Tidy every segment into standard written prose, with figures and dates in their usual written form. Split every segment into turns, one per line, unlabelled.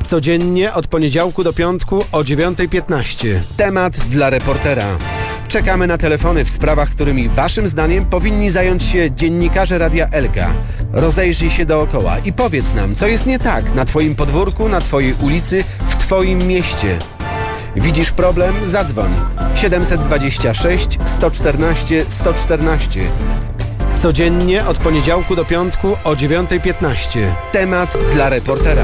Codziennie od poniedziałku do piątku o 9:15. Temat dla reportera. Czekamy na telefony w sprawach, którymi waszym zdaniem powinni zająć się dziennikarze Radia Elka. Rozejrzyj się dookoła i powiedz nam, co jest nie tak na twoim podwórku, na twojej ulicy, w twoim mieście. Widzisz problem? Zadzwoń. 726 114 114. Codziennie od poniedziałku do piątku o 9:15. Temat dla reportera.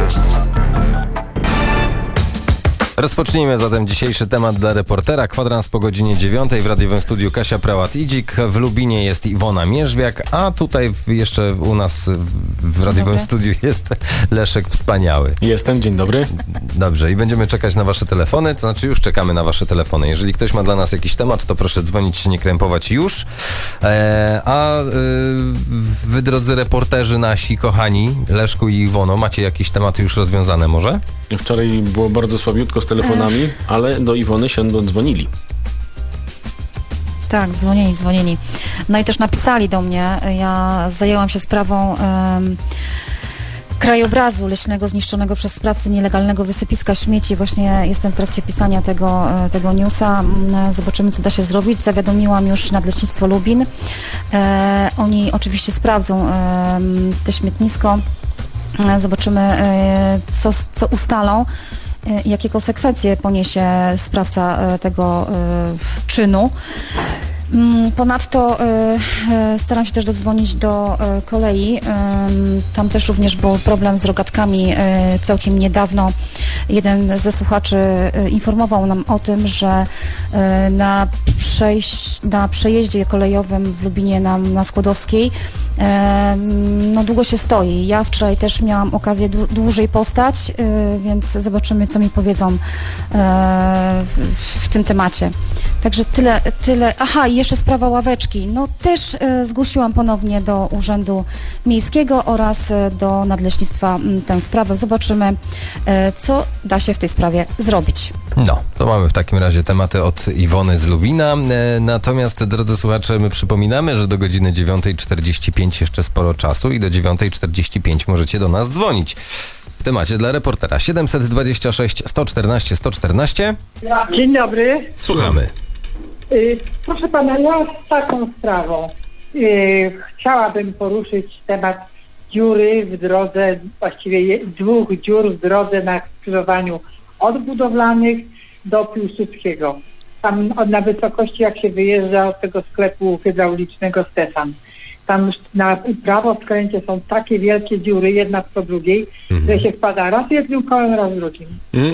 Rozpocznijmy zatem dzisiejszy temat dla reportera. Kwadrans po godzinie 9 w radiowym studiu Kasia Prałat-Idzik. W Lubinie jest Iwona Mierzwiak, a tutaj jeszcze u nas w radiowym studiu jest Leszek Wspaniały.
Jestem, dzień dobry.
Dobrze, i będziemy czekać na wasze telefony, to znaczy już czekamy na wasze telefony. Jeżeli ktoś ma dla nas jakiś temat, to proszę dzwonić się, nie krępować już. Wy, drodzy reporterzy nasi, kochani, Leszku i Iwono, macie jakieś tematy już rozwiązane może?
Wczoraj było bardzo słabiutko z telefonami, ale do Iwony się dzwonili.
Tak, dzwonili. No i też napisali do mnie. Ja zajęłam się sprawą krajobrazu leśnego zniszczonego przez sprawcę nielegalnego wysypiska śmieci. Właśnie jestem w trakcie pisania tego newsa. Zobaczymy, co da się zrobić. Zawiadomiłam już Nadleśnictwo Lubin. Oni oczywiście sprawdzą te śmietnisko. Zobaczymy, co ustalą, jakie konsekwencje poniesie sprawca tego czynu. Ponadto staram się też dodzwonić do kolei. Tam też również był problem z rogatkami całkiem niedawno. Jeden ze słuchaczy informował nam o tym, że na przejeździe kolejowym w Lubinie na Skłodowskiej długo się stoi. Ja wczoraj też miałam okazję dłużej postać, więc zobaczymy, co mi powiedzą w tym temacie. Także tyle. Aha, i jeszcze sprawa ławeczki. No też zgłosiłam ponownie do Urzędu Miejskiego oraz do Nadleśnictwa tę sprawę. Zobaczymy, co da się w tej sprawie zrobić.
No, to mamy w takim razie tematy od Iwony z Lubina. Natomiast, drodzy słuchacze, my przypominamy, że do godziny 9:45 jeszcze sporo czasu i do 9:45 możecie do nas dzwonić. W temacie dla reportera 726 114 114.
Dzień dobry.
Słuchamy.
Proszę pana, ja z taką sprawą chciałabym poruszyć temat dziury w drodze, właściwie dwóch dziur w drodze na skrzyżowaniu od Budowlanych do Piłsudskiego. Tam na wysokości, jak się wyjeżdża od tego sklepu hydraulicznego Stefan. Tam na prawo skręcie są takie wielkie dziury, jedna po drugiej, że się wpada raz jednym kołem, raz drugim.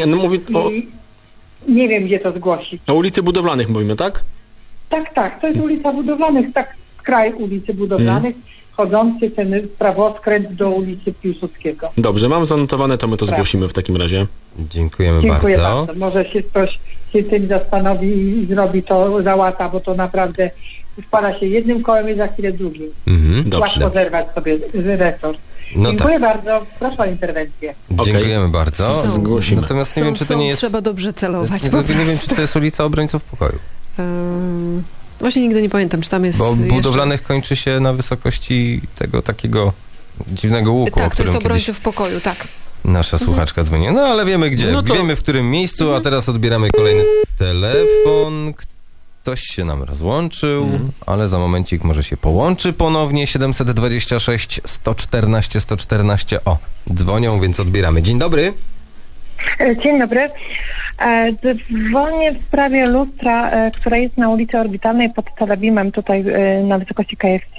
Nie wiem, gdzie to zgłosić.
O ulicy Budowlanych mówimy, tak?
Tak, to jest ulica Budowlanych, tak skraj ulicy Budowlanych, chodzący ten prawoskręt do ulicy Piłsudskiego.
Dobrze, mam zanotowane, to my to zgłosimy w takim razie.
Dziękuję bardzo.
Może się ktoś się tym zastanowi i zrobi to, załata, bo to naprawdę wpada się jednym kołem i za chwilę drugim. Łatwo zerwać sobie resort. Dziękuję bardzo. Proszę o interwencję.
Dziękujemy bardzo.
Zgłosimy.
Natomiast nie wiem, czy to nie jest...
Trzeba dobrze celować.
Nie wiem, czy to jest ulica Obrońców Pokoju.
Właśnie nigdy nie pamiętam, czy tam jest.
Bo Budowlanych kończy się na wysokości tego takiego dziwnego łuku,
tak, to jest Obrońców Pokoju, tak.
Nasza słuchaczka dzwoni. No ale wiemy gdzie. Wiemy, w którym miejscu, a teraz odbieramy kolejny telefon. Ktoś się nam rozłączył, ale za momencik może się połączy ponownie. 726 114 114. O, dzwonią, więc odbieramy. Dzień dobry.
Dzień dobry. Dzwonię w sprawie lustra, która jest na ulicy Orbitalnej pod Telebimem, tutaj na wysokości KFC.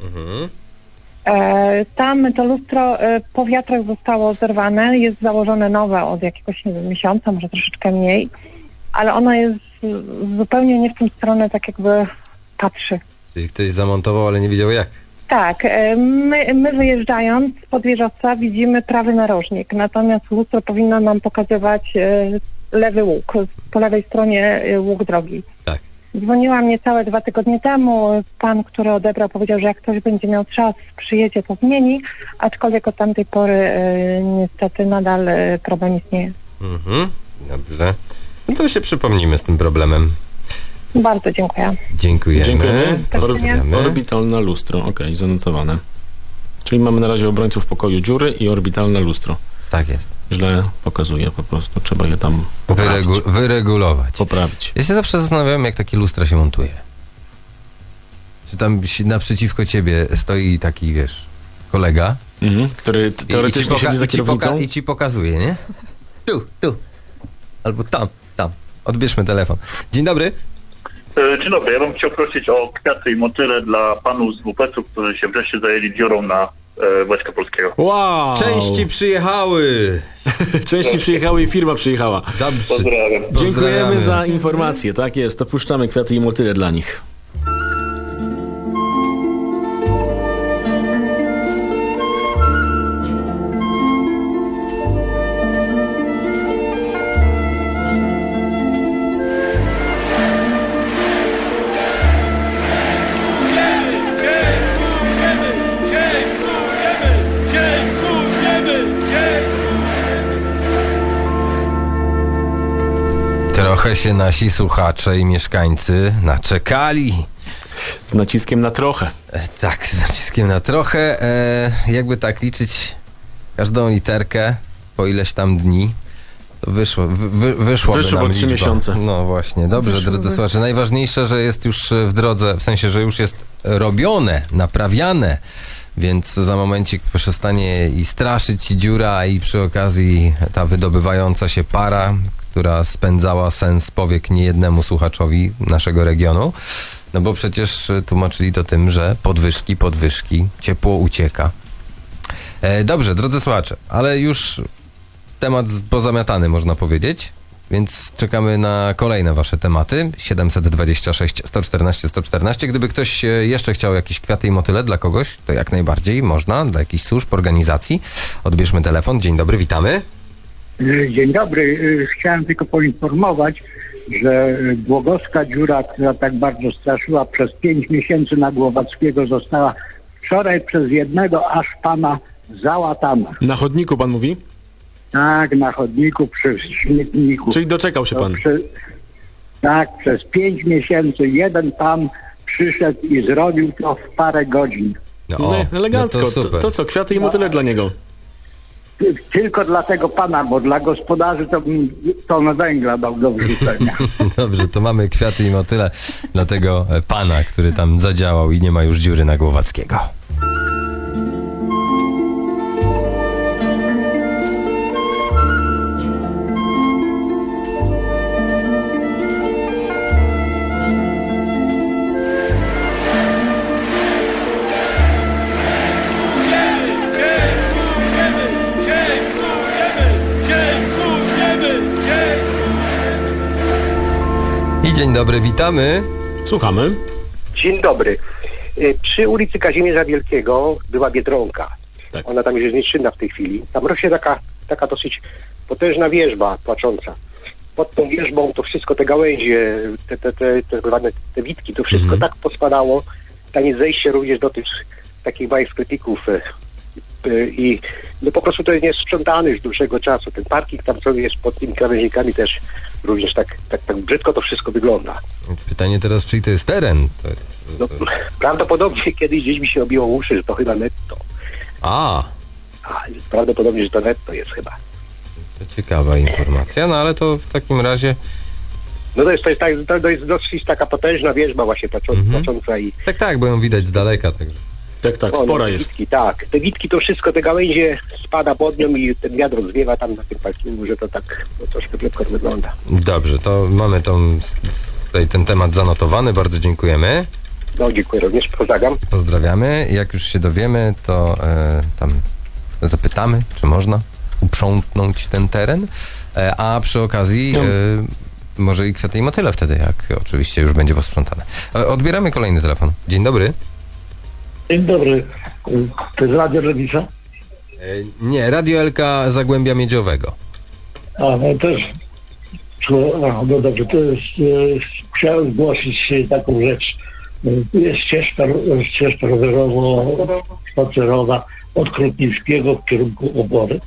Tam to lustro po wiatrach zostało zerwane, jest założone nowe od jakiegoś miesiąca, może troszeczkę mniej, ale ono jest zupełnie nie w tą stronę, tak jakby patrzy.
Czyli ktoś zamontował, ale nie wiedział jak.
Tak, my wyjeżdżając spod wieżowca widzimy prawy narożnik, natomiast lustro powinno nam pokazywać lewy łuk, po lewej stronie łuk drogi.
Tak.
Dzwoniłam niecałe 2 tygodnie temu, pan, który odebrał, powiedział, że jak ktoś będzie miał czas, przyjedzie, to zmieni, aczkolwiek od tamtej pory niestety nadal problem istnieje.
Dobrze. No to się przypomnimy z tym problemem.
Bardzo dziękuję.
Dziękujemy.
Orbitalne lustro, okej, zanotowane. Czyli mamy na razie Obrońców Pokoju dziury i orbitalne lustro.
Tak jest.
źle pokazuje po prostu. Trzeba je tam poprawić.
Wyregulować.
Poprawić.
Ja się zawsze zastanawiam, jak takie lustra się montuje. Czy tam naprzeciwko ciebie stoi taki, wiesz, kolega,
Który teoretycznie siedzi za kierownicą.
I ci pokazuje, nie? Tu. Albo tam. Odbierzmy telefon. Dzień dobry.
Dzień dobry, ja bym chciał prosić o kwiaty i motyle dla panów z WPS-u, którzy się wreszcie zajęli dziurą na Wojska Polskiego.
Wow!
Części przyjechały.
Części przyjechały i firma przyjechała.
Dobrze.
Pozdrawiam.
Dziękujemy za informację. Tak jest, dopuszczamy kwiaty i motyle dla nich.
Trochę się nasi słuchacze i mieszkańcy naczekali.
Z naciskiem na trochę.
Tak, z naciskiem na trochę. Jakby tak liczyć każdą literkę po ileś tam dni, to wyszło
po 3 miesiące.
No właśnie, dobrze, drodzy słuchacze. Najważniejsze, że jest już w drodze, w sensie, że już jest robione, naprawiane, więc za momencik przestanie i straszyć dziura i przy okazji ta wydobywająca się para, która spędzała sens powiek niejednemu słuchaczowi naszego regionu. No bo przecież tłumaczyli to tym, że podwyżki, ciepło ucieka. Dobrze, drodzy słuchacze, ale już temat pozamiatany, można powiedzieć, więc czekamy na kolejne wasze tematy. 726 114 114. Gdyby ktoś jeszcze chciał jakieś kwiaty i motyle dla kogoś, to jak najbardziej można, dla jakichś służb, organizacji. Odbierzmy telefon. Dzień dobry, witamy.
Dzień dobry. Chciałem tylko poinformować, że Głogowska dziura, która tak bardzo straszyła przez 5 miesięcy na Głowackiego, została wczoraj przez jednego aż pana załatana.
Na chodniku pan mówi?
Tak, na chodniku, przy śmietniku.
Czyli doczekał się pan?
Tak, przez 5 miesięcy jeden pan przyszedł i zrobił to w parę godzin.
Elegancko.
No to super.
To co, kwiaty i motyle dla niego?
Tylko dla tego pana, bo dla gospodarzy to bym tonę węgla dał do wrzucenia.
Dobrze, to mamy kwiaty i motyle dla tego pana, który tam zadziałał i nie ma już dziury na Głowackiego. Dzień dobry, witamy.
Słuchamy.
Dzień dobry. Przy ulicy Kazimierza Wielkiego była Biedronka. Tak. Ona tam już jest nieczynna w tej chwili. Tam rośnie taka dosyć potężna wierzba płacząca. Pod tą wierzbą to wszystko, te gałęzie, te witki, to wszystko tak pospadało. Tam jest zejście również do tych takich małych sklepików i no po prostu to jest niesprzątane już dłuższego czasu. Ten parking tam sobie jest pod tymi krawężnikami też również tak brzydko to wszystko wygląda.
Pytanie teraz, czyj to jest teren?
No, prawdopodobnie kiedyś gdzieś mi się obiło uszy, że to chyba netto. Prawdopodobnie, że to netto jest chyba.
To ciekawa informacja, no ale to w takim razie...
No to jest dosyć taka potężna wierzba właśnie płacząca i...
Tak, bo ją widać z daleka, także...
Tak, spora jest.
Witki, tak. Te witki to wszystko, te gałęzie spada pod nią i ten wiatr zwiewa tam na tym parkingu, że to tak troszkę brzydko wygląda.
Dobrze, to mamy tutaj ten temat zanotowany, bardzo dziękujemy.
No, dziękuję również,
pozdrawiamy. Jak już się dowiemy, to tam zapytamy, czy można uprzątnąć ten teren, a przy okazji może i kwiaty i motyle wtedy, jak oczywiście już będzie posprzątane. Odbieramy kolejny telefon. Dzień dobry.
Dzień dobry. To jest Radio Lewica?
Nie, Radio Elka Zagłębia Miedziowego.
No też. No dobrze, to jest, chciałem zgłosić taką rzecz. Jest ścieżka rowerowo-spacerowa od Krupnickiego w kierunku Obory.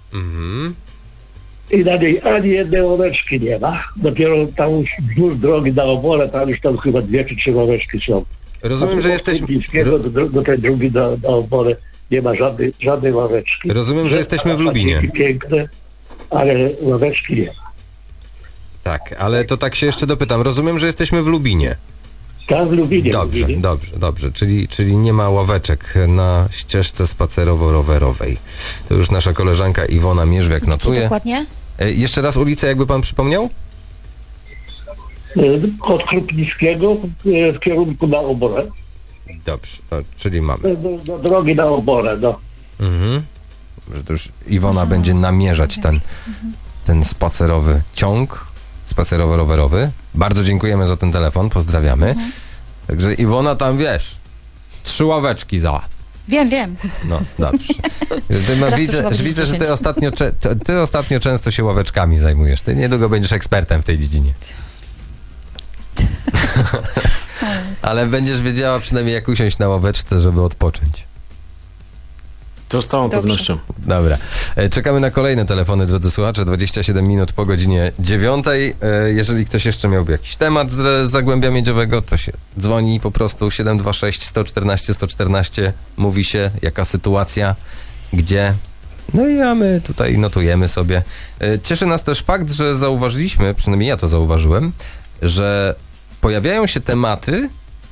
I na niej ani jednej ławeczki nie ma. Dopiero tam wzdłuż drogi na Oborę, tam już tam chyba 2 czy 3 ławeczki są.
Rozumiem, że jesteśmy...
Do tej drugi na Oborę nie ma żadnej ławeczki.
Rozumiem, że jesteśmy w Lubinie.
Piękne. ale ławeczki nie ma.
Tak, ale to tak się jeszcze dopytam. Rozumiem, że jesteśmy w Lubinie.
Tak, w Lubinie.
Dobrze. Czyli nie ma ławeczek na ścieżce spacerowo-rowerowej. To już nasza koleżanka Iwona Mierzwiak notuje.
Dokładnie?
Jeszcze raz ulicę, jakby pan przypomniał?
Od Krupnickiego w kierunku na Oborę.
Dobrze, czyli mamy.
Do drogi na Oborę, no.
Że to już Iwona będzie namierzać ten spacerowy ciąg, spacerowo-rowerowy. Bardzo dziękujemy za ten telefon, pozdrawiamy. Także Iwona tam, wiesz, 3 ławeczki załatw.
Wiem.
No, dobrze. Widzę, że ty ostatnio często się ławeczkami zajmujesz. Ty niedługo będziesz ekspertem w tej dziedzinie. Ale będziesz wiedziała przynajmniej, jak usiąść na ławeczce, żeby odpocząć.
To z całą pewnością.
Dobra. Czekamy na kolejne telefony, drodzy słuchacze. 27 minut po godzinie 9. Jeżeli ktoś jeszcze miałby jakiś temat z Zagłębia Miedziowego, to się dzwoni po prostu 726 114 114. Mówi się, jaka sytuacja, gdzie. No i a my tutaj notujemy sobie. Cieszy nas też fakt, że zauważyliśmy, przynajmniej ja to zauważyłem, że pojawiają się tematy,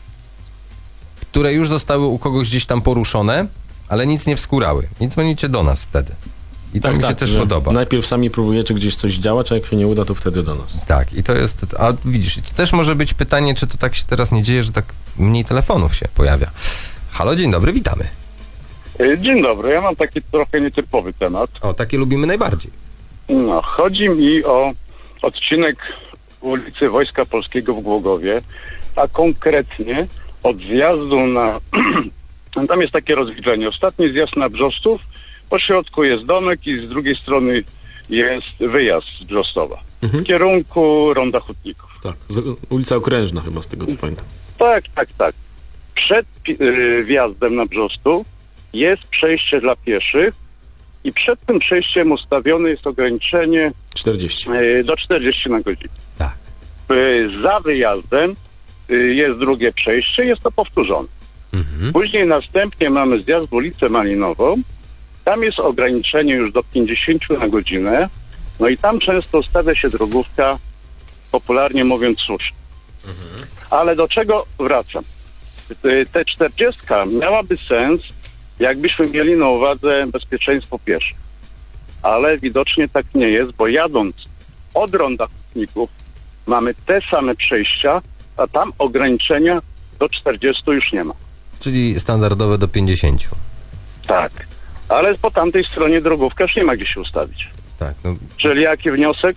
które już zostały u kogoś gdzieś tam poruszone, ale nic nie wskórały. I dzwonicie do nas wtedy. I to mi się też podoba.
Najpierw sami próbujecie gdzieś coś działać, a jak się nie uda, to wtedy do nas.
Tak, i to jest... A widzisz, to też może być pytanie, czy to tak się teraz nie dzieje, że tak mniej telefonów się pojawia. Halo, dzień dobry, witamy.
Dzień dobry, ja mam taki trochę nietypowy temat.
O, takie lubimy najbardziej.
No, chodzi mi o odcinek ulicy Wojska Polskiego w Głogowie, a konkretnie od zjazdu na... Tam jest takie rozwidlenie. Ostatni zjazd na Brzostów, po środku jest domek i z drugiej strony jest wyjazd z Brzostowa. W kierunku Ronda Hutników.
Tak, ulica Okrężna chyba, z tego co pamiętam.
Tak. Przed wjazdem na Brzostów jest przejście dla pieszych i przed tym przejściem ustawione jest ograniczenie
40.
Do 40 na godzinę.
Tak.
Za wyjazdem jest drugie przejście, jest to powtórzone. Później następnie mamy zjazd w ulicę Malinową. Tam jest ograniczenie już do 50 na godzinę. No i tam często stawia się drogówka, popularnie mówiąc słusznie. Ale do czego wracam? Te 40 miałaby sens, jakbyśmy mieli na uwadze bezpieczeństwo pieszych. Ale widocznie tak nie jest, bo jadąc od Ronda Hutników mamy te same przejścia, a tam ograniczenia do 40 już nie ma.
Czyli standardowe do 50.
Tak, ale po tamtej stronie drogówka już nie ma gdzie się ustawić.
Tak. No,
czyli jaki wniosek?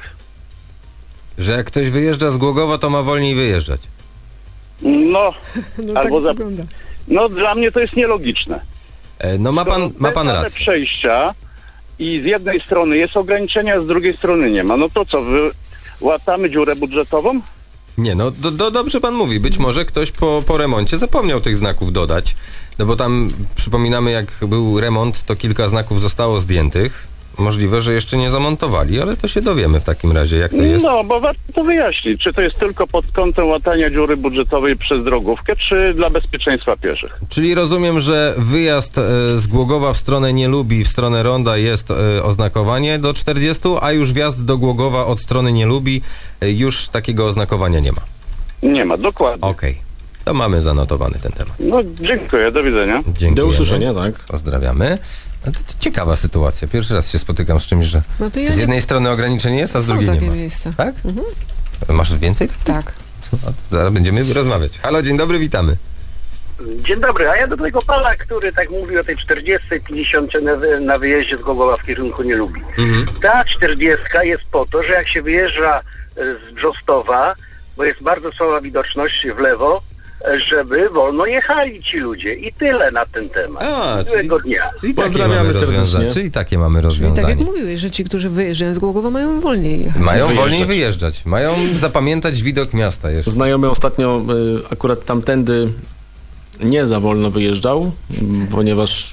że jak ktoś wyjeżdża z Głogowa, to ma wolniej wyjeżdżać.
No, albo
tak wygląda.
No dla mnie to jest nielogiczne.
No ma pan rację.
Przejścia i z jednej strony jest ograniczenia, a z drugiej strony nie ma. No to co, łatamy dziurę budżetową?
Nie, no dobrze pan mówi. Być może ktoś po remoncie zapomniał tych znaków dodać. No bo tam, przypominamy, jak był remont, to kilka znaków zostało zdjętych. Możliwe, że jeszcze nie zamontowali, ale to się dowiemy w takim razie, jak to jest.
No, bo warto to wyjaśnić. Czy to jest tylko pod kątem łatania dziury budżetowej przez drogówkę, czy dla bezpieczeństwa pieszych?
Czyli rozumiem, że wyjazd z Głogowa w stronę Nielubi, w stronę Ronda jest oznakowanie do 40, a już wjazd do Głogowa od strony Nielubi już takiego oznakowania nie ma.
Nie ma, dokładnie.
Okej. To mamy zanotowany ten temat.
No, dziękuję, do widzenia.
Dziękujemy.
Do usłyszenia, tak.
Pozdrawiamy. No to ciekawa sytuacja. Pierwszy raz się spotykam z czymś, że
No to ja
z jednej strony ograniczenie jest, a z
Są
drugiej nie
takie
ma.
miejsca.
Tak? Masz więcej?
Tak.
Zaraz będziemy rozmawiać. Halo, dzień dobry, witamy.
Dzień dobry, a ja do tego pana, który tak mówi o tej 40, 50 na wyjeździe z Głogowa w kierunku nie lubi. Ta 40 jest po to, że jak się wyjeżdża z Brzostowa, bo jest bardzo słaba widoczność w lewo, żeby wolno jechali ci ludzie. I tyle na ten temat. Miłego dnia.
Czyli
Pozdrawiamy serdecznie.
Czyli takie mamy
I
rozwiązanie.
tak jak mówiłeś, że ci, którzy wyjeżdżają z Głogowa, mają wolniej jechać.
Mają
Wyjeżdżać.
wolniej wyjeżdżać. Mają zapamiętać widok miasta jeszcze.
Znajomy ostatnio akurat tamtędy nie za wolno wyjeżdżał, ponieważ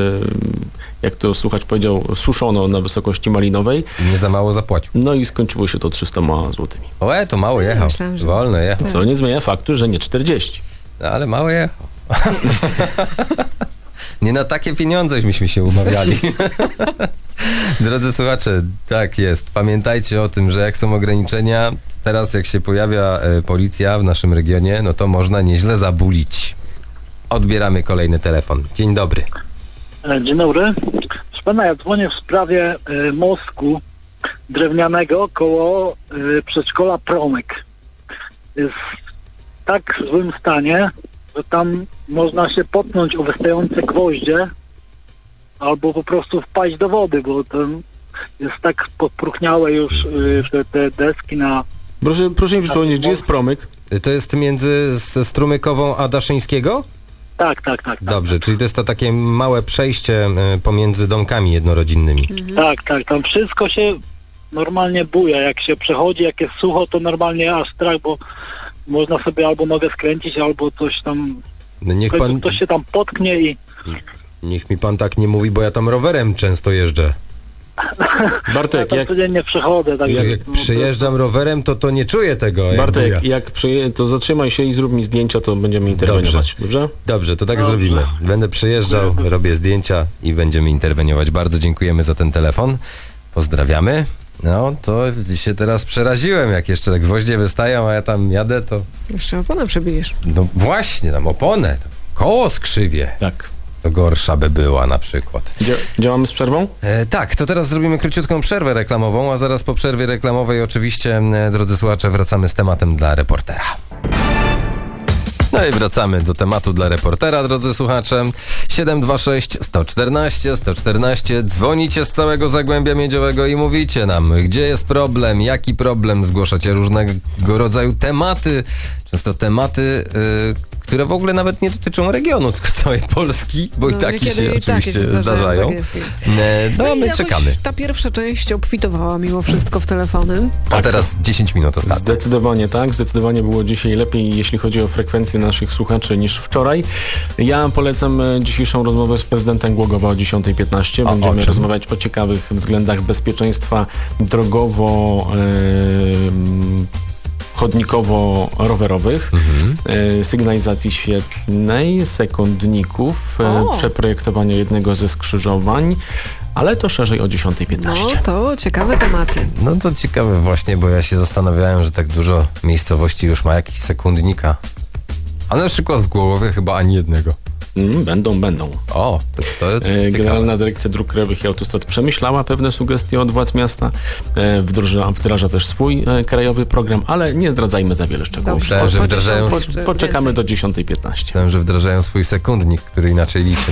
jak to słuchacz powiedział, suszono na wysokości Malinowej.
Nie za mało zapłacił.
No i skończyło się to 300 złotymi.
To mało jechał.
Myślałem, że...
Wolno jechał.
Co nie zmienia faktu, że nie 40.
No, ale mało jechał. Nie na takie pieniądześmy się umawiali. Drodzy słuchacze, tak jest. Pamiętajcie o tym, że jak są ograniczenia, teraz jak się pojawia policja w naszym regionie, no to można nieźle zabulić. Odbieramy kolejny telefon. Dzień dobry.
Dzień dobry. Proszę pana, ja dzwonię w sprawie mostku drewnianego koło przedszkola Promyk. Jest w tak złym stanie, że tam można się potknąć o wystające gwoździe albo po prostu wpaść do wody, bo tam jest tak podpruchniałe już te deski na...
Proszę mi przypomnieć, gdzie jest Promyk?
To jest między Strumykową a Daszyńskiego?
Tak.
Dobrze, czyli to jest to takie małe przejście pomiędzy domkami jednorodzinnymi.
Tak, tam wszystko się normalnie buja. Jak się przechodzi, jak jest sucho, to normalnie aż strach, bo można sobie albo nogę skręcić, albo coś tam...
No niech pan...
Ktoś się tam potknie i...
Niech mi pan tak nie mówi, bo ja tam rowerem często jeżdżę.
Bartek,
ja codziennie przechodzę. Tak
jak przejeżdżam rowerem, to nie czuję tego.
Bartek, to zatrzymaj się i zrób mi zdjęcia, to będziemy interweniować. Dobrze?
Dobrze, to tak zrobimy. Będę przejeżdżał, robię zdjęcia i będziemy interweniować. Bardzo dziękujemy za ten telefon. Pozdrawiamy. No, to się teraz przeraziłem, jak jeszcze tak gwoździe wystają, a ja tam jadę, to...
Jeszcze oponę przebijesz.
No właśnie, tam oponę, tam koło skrzywie.
Tak.
To gorsza by była na przykład.
Działamy z przerwą?
Tak, to teraz zrobimy króciutką przerwę reklamową, a zaraz po przerwie reklamowej oczywiście, drodzy słuchacze, wracamy z tematem dla reportera. No i wracamy do tematu dla reportera, drodzy słuchacze. 726 114 114. Dzwonicie z całego Zagłębia Miedziowego i mówicie nam, gdzie jest problem, jaki problem. Zgłaszacie różnego rodzaju tematy. Często tematy, które w ogóle nawet nie dotyczą regionu, tylko całej Polski, bo i takie się oczywiście zdarzają.
Tak jest.
No my czekamy.
Ta pierwsza część obfitowała mimo wszystko w telefony.
A teraz 10 minut ostatnio.
Zdecydowanie tak. Zdecydowanie było dzisiaj lepiej, jeśli chodzi o frekwencję naszych słuchaczy niż wczoraj. Ja polecam dzisiejszą rozmowę z prezydentem Głogowa o 10:15. Będziemy rozmawiać o ciekawych względach bezpieczeństwa drogowo chodnikowo-rowerowych, sygnalizacji świetlnej, sekundników, przeprojektowania jednego ze skrzyżowań, ale to szerzej o 10:15.
No to ciekawe tematy.
No to ciekawe właśnie, bo ja się zastanawiałem, że tak dużo miejscowości już ma jakiś sekundnika. A na przykład w Głogowie chyba ani jednego.
Będą.
O, to
Generalna Dyrekcja Dróg Krajowych i Autostrad przemyślała pewne sugestie od władz miasta, wdraża też swój krajowy program, ale nie zdradzajmy za wiele szczegółów.
Myślałem, że wdrażają...
Poczekamy do 10:15.
Myślałem, że wdrażają swój sekundnik, który inaczej liczy.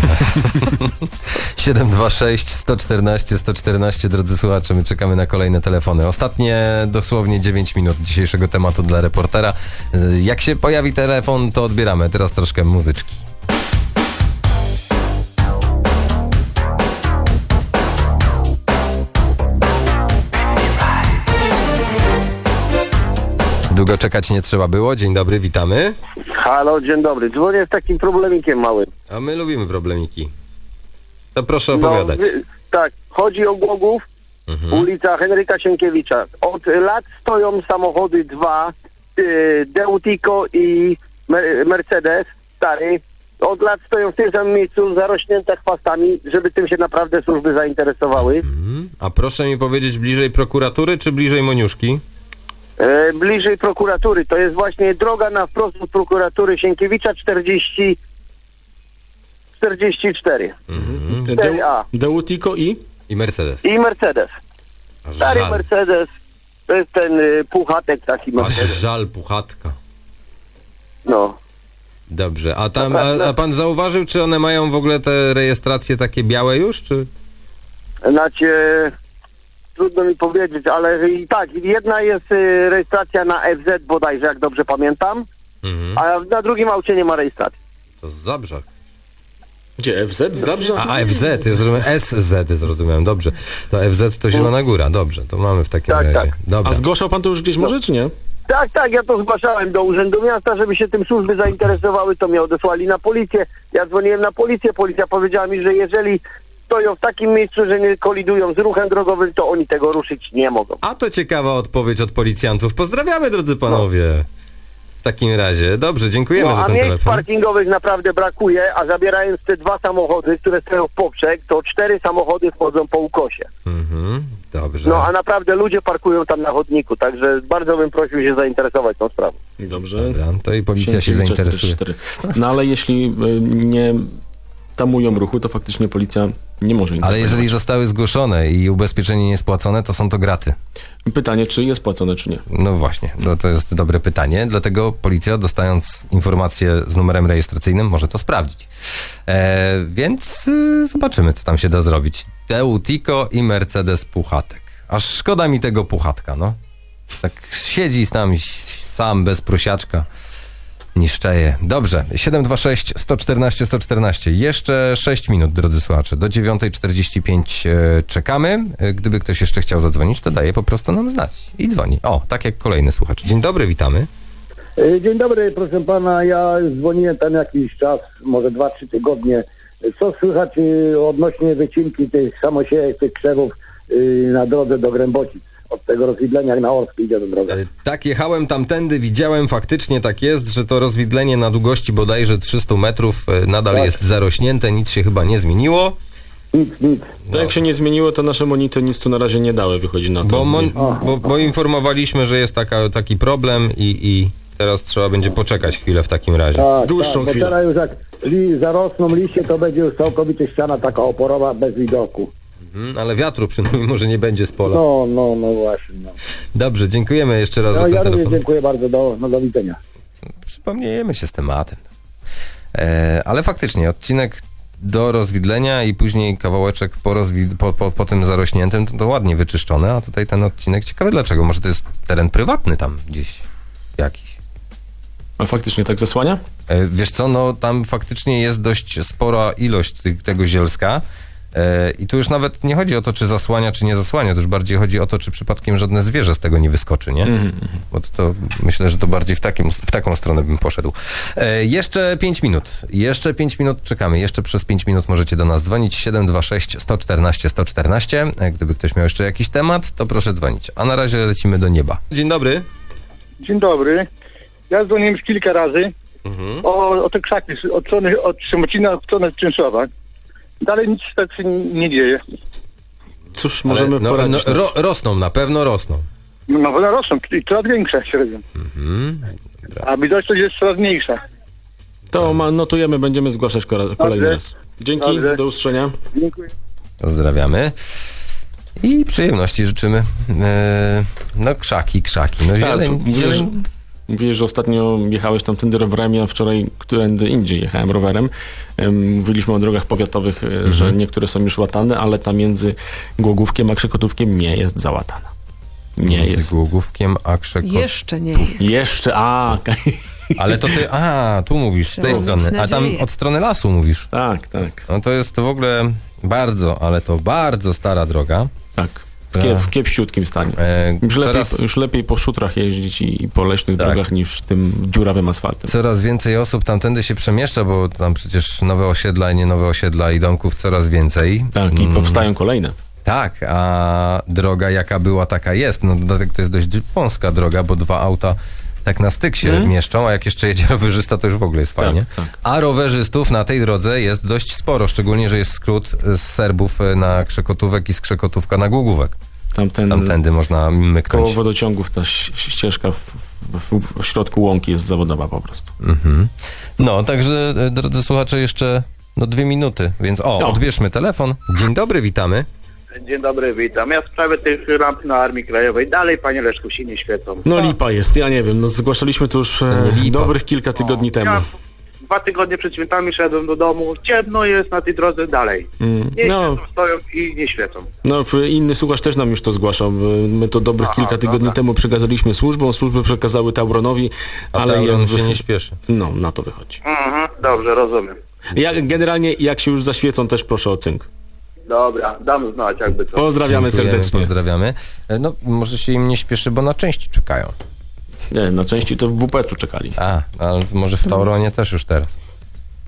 726 114 114, drodzy słuchacze, my czekamy na kolejne telefony. Ostatnie dosłownie 9 minut dzisiejszego tematu dla reportera. Jak się pojawi telefon, to odbieramy. Teraz troszkę muzyczki. Długo czekać nie trzeba było. Dzień dobry, witamy.
Halo, dzień dobry. Dzwonię z takim problemikiem małym.
A my lubimy problemiki. To proszę opowiadać.
Tak, chodzi o Głogów, ulica Henryka Sienkiewicza. Od lat stoją samochody dwa, Deutiko i Mercedes, stary. Od lat stoją w tym samym miejscu, zarośnięte chwastami, żeby tym się naprawdę służby zainteresowały.
A proszę mi powiedzieć, bliżej prokuratury czy bliżej Moniuszki?
Bliżej prokuratury. To jest właśnie droga na wprost od prokuratury Sienkiewicza 44. 4A.
Deutiko i
Mercedes.
I Mercedes. Stary
Żal.
Mercedes. To jest ten puchatek taki
Aż
Mercedes.
żal, puchatka.
No.
Dobrze, a pan zauważył, czy one mają w ogóle te rejestracje takie białe już, czy?
Znaczy, trudno mi powiedzieć, ale i tak, jedna jest rejestracja na FZ bodajże, jak dobrze pamiętam, a na drugim aucie nie ma rejestracji.
To z Zabrza.
Gdzie? FZ? Zabrze?
A FZ, ja zrozumiałem, SZ zrozumiałem, dobrze. To FZ to Zielona Góra, dobrze, to mamy w takim razie.
Tak.
Dobra.
A zgłaszał pan to już gdzieś może, czy nie?
Tak, ja to zgłaszałem do Urzędu Miasta, żeby się tym służby zainteresowały, to mnie odesłali na policję. Ja dzwoniłem na policję, policja powiedziała mi, że jeżeli stoją w takim miejscu, że nie kolidują z ruchem drogowym, to oni tego ruszyć nie mogą.
A to ciekawa odpowiedź od policjantów. Pozdrawiamy, drodzy panowie. takim razie. Dobrze, dziękujemy za ten
miejsc
telefon.
parkingowych naprawdę brakuje, a zabierając te 2 samochody, które stoją w poprzek, to 4 samochody wchodzą po ukosie.
Dobrze.
No a naprawdę ludzie parkują tam na chodniku, także bardzo bym prosił się zainteresować tą sprawą.
Dobrze.
Dobra, to i policja się zainteresuje.
No ale jeśli nie tamują ruchu, to faktycznie policja nie może
Ale jeżeli zostały zgłoszone i ubezpieczenie niespłacone, to są to graty.
Pytanie, czy jest płacone, czy nie?
No właśnie, to jest dobre pytanie, dlatego policja, dostając informację z numerem rejestracyjnym, może to sprawdzić. Więc zobaczymy, co tam się da zrobić. Teutiko i Mercedes Puchatek. Aż szkoda mi tego Puchatka, no. Tak siedzi tam sam, bez prosiaczka. Niszczeje. Dobrze, 726 114 114. Jeszcze 6 minut, drodzy słuchacze. Do 9:45 czekamy. Gdyby ktoś jeszcze chciał zadzwonić, to daje po prostu nam znać. I dzwoni. O, tak jak kolejny słuchacz. Dzień dobry, witamy.
Dzień dobry, proszę pana. Ja dzwoniłem tam jakiś czas, może 2-3 tygodnie. Co słychać odnośnie wycinki tych samosiejek, tych krzewów na drodze do Grębocic? Od tego rozwidlenia jak na Orskie idzie do drogi.
Tak, jechałem tamtędy, widziałem, faktycznie tak jest, że to rozwidlenie na długości bodajże 300 metrów nadal jest zarośnięte, nic się chyba nie zmieniło.
Nic.
To jak się nie zmieniło, to nasze monity nic tu na razie nie dały, wychodzi na to.
Bo informowaliśmy, że jest taki problem i teraz trzeba będzie poczekać chwilę w takim razie.
Dłuższą chwilę. Bo teraz już jak zarosną liście, to będzie już całkowicie ściana taka oporowa bez widoku.
Ale wiatru przynajmniej może nie będzie z pola.
No właśnie. No.
Dobrze, dziękujemy jeszcze raz za ten telefon.
Ja dziękuję bardzo, do widzenia.
Przypomniejemy się z tematem. Ale faktycznie, odcinek do rozwidlenia i później kawałeczek po tym zarośniętym, to ładnie wyczyszczone, a tutaj ten odcinek ciekawy dlaczego. Może to jest teren prywatny tam gdzieś jakiś.
A faktycznie tak zasłania?
Wiesz co, no tam faktycznie jest dość spora ilość tego zielska. I tu już nawet nie chodzi o to, czy zasłania, czy nie zasłania, to już bardziej chodzi o to, czy przypadkiem żadne zwierzę z tego nie wyskoczy, nie? Bo to myślę, że to bardziej w taką stronę bym poszedł. Jeszcze 5 minut czekamy. Jeszcze przez 5 minut możecie do nas dzwonić. 726 114 114. Gdyby ktoś miał jeszcze jakiś temat, to proszę dzwonić. A na razie lecimy do nieba. Dzień dobry.
Dzień dobry. Ja dzwoniłem już kilka razy o te krzaki od Szymocina w stronę Czynszowa. Dalej nic tak się nie dzieje.
Cóż, możemy poradzić.
Rosną, na pewno rosną.
No rosną i coraz większe średnio. A widoczność jest coraz mniejsza.
To notujemy, będziemy zgłaszać kolejny raz. Dzięki, do usłyszenia.
Dziękuję.
Pozdrawiamy. I przyjemności życzymy. Krzaki. No zieleń.
Mówiłeś, że ostatnio jechałeś tamtędy rowerem, ja wczoraj którędy indziej jechałem rowerem. Mówiliśmy o drogach powiatowych, że niektóre są już łatane, ale ta między Głogówkiem a Krzekotówkiem nie jest załatana. Nie jest.
Z Głogówkiem a Krzekotówkiem.
Jeszcze nie jest.
Jeszcze,
Ale to ty, tu mówisz z tej strony, a tam od strony lasu mówisz.
Tak.
No to jest w ogóle bardzo stara droga.
Tak. W kiepściutkim stanie. Już lepiej po szutrach jeździć i po leśnych drogach niż tym dziurawym asfaltem.
Coraz więcej osób tamtędy się przemieszcza, bo tam przecież nowe osiedla i nie nowe osiedla i domków coraz więcej.
Tak, i powstają kolejne.
Tak, a droga jaka była, taka jest. No dodatek to jest dość wąska droga, bo 2 auta tak na styk się mieszczą, a jak jeszcze jedzie rowerzysta, to już w ogóle jest fajnie.
Tak.
A rowerzystów na tej drodze jest dość sporo, szczególnie, że jest skrót z Serbów na Krzekotówek i z Krzekotówka na Głogówek. Tamtędy można myknąć.
Koło wodociągów ta ścieżka w środku łąki jest zawodowa po prostu.
No, także drodzy słuchacze, jeszcze 2 minuty, więc odbierzmy telefon. Dzień dobry, witamy.
Dzień dobry, witam. Ja w sprawie tych lamp na Armii Krajowej dalej, panie Leszku, się nie świecą.
No lipa jest, ja nie wiem, zgłaszaliśmy to już dobrych kilka tygodni temu. Ja
2 tygodnie przed świętami szedłem do domu, ciemno jest na tej drodze dalej. Stoją i nie świecą.
Inny słuchacz też nam już to zgłaszał. My to dobrych kilka tygodni temu przekazaliśmy służbom, służby przekazały Tauronowi, ale
Tauron się nie śpieszy.
No, na to wychodzi.
Dobrze, rozumiem.
Generalnie jak się już zaświecą, też proszę o cynk.
Dobra, dam znać jakby to.
Pozdrawiamy serdecznie.
Pozdrawiamy. Może się im nie śpieszy, bo na części czekają.
Nie, na części to w WP-u czekali.
Ale może w Tauronie też już teraz.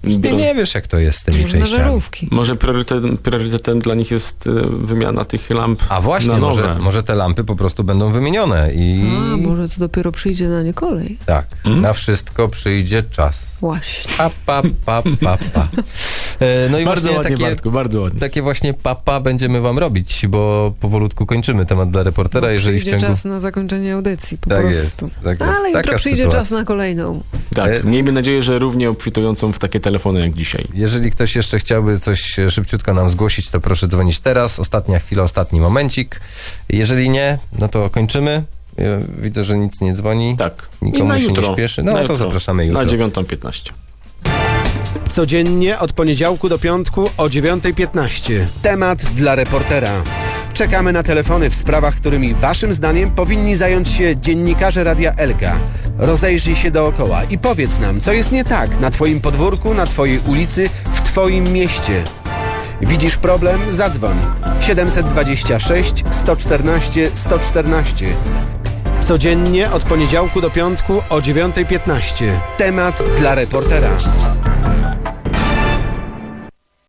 Nie wiesz, jak to jest z tymi
Może na
częściami.
żarówki.
Może priorytetem dla nich jest wymiana tych lamp.
A właśnie,
na nowe.
może te lampy po prostu będą wymienione i...
A, może to dopiero przyjdzie na nie kolej.
Tak, na wszystko przyjdzie czas.
Właśnie.
Pa. No i
Bardzo
właśnie
ładnie, Bartku, bardzo ładnie.
takie właśnie papa będziemy wam robić, bo powolutku kończymy temat dla reportera, jeżeli w
Przyjdzie
ciągu...
czas na zakończenie audycji, po
Tak
prostu.
jest, tak jest.
Ale jutro
Taka
przyjdzie
sytuacja.
czas na kolejną.
Tak, miejmy nadzieję, że równie obfitującą w takie telefony jak dzisiaj.
Jeżeli ktoś jeszcze chciałby coś szybciutko nam zgłosić, to proszę dzwonić teraz. Ostatnia chwila, ostatni momencik. Jeżeli nie, no to kończymy. Ja widzę, że nic nie dzwoni.
Tak.
Nikomu
I
się
jutro.
nie śpieszy. No
Na
to
jutro.
zapraszamy jutro.
Na 9:15.
Codziennie od poniedziałku do piątku o 9:15. Temat dla reportera. Czekamy na telefony w sprawach, którymi waszym zdaniem powinni zająć się dziennikarze Radia Elka. Rozejrzyj się dookoła i powiedz nam, co jest nie tak na twoim podwórku, na twojej ulicy, w twoim mieście. Widzisz problem? Zadzwoń. 726 114 114. Codziennie od poniedziałku do piątku o 9:15. Temat dla reportera.